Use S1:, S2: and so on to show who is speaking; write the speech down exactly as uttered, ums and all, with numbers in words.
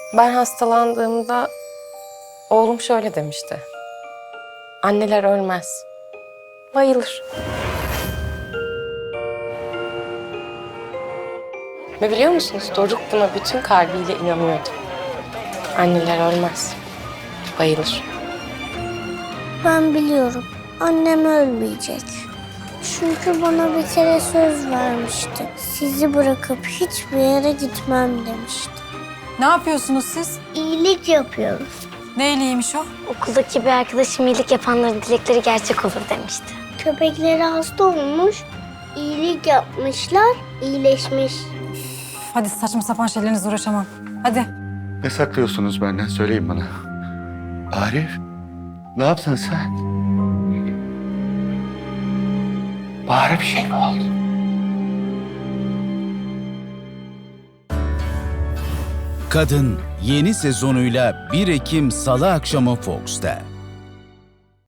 S1: Ben hastalandığımda oğlum şöyle demişti. Anneler ölmez, bayılır. Ve biliyor musunuz, Doruk buna bütün kalbiyle inanıyordu. Anneler ölmez, bayılır.
S2: Ben biliyorum. Annem ölmeyecek. Çünkü bana bir kere söz vermişti. Sizi bırakıp hiçbir yere gitmem demişti.
S3: Ne yapıyorsunuz siz?
S2: İyilik yapıyoruz.
S3: Ne iyiliğiymiş o?
S4: Okuldaki bir arkadaşım iyilik yapanların dilekleri gerçek olur demişti.
S2: Köpekleri hasta olmuş, iyilik yapmışlar, iyileşmiş.
S3: Hadi saçma sapan şeylerinizle uğraşamam. Hadi.
S5: Ne saklıyorsunuz benden? Söyleyin bana. Arif, ne yaptın sen? Bahar'a bir şey mi oldu?
S6: Kadın yeni sezonuyla bir Ekim Salı akşamı Fox'ta.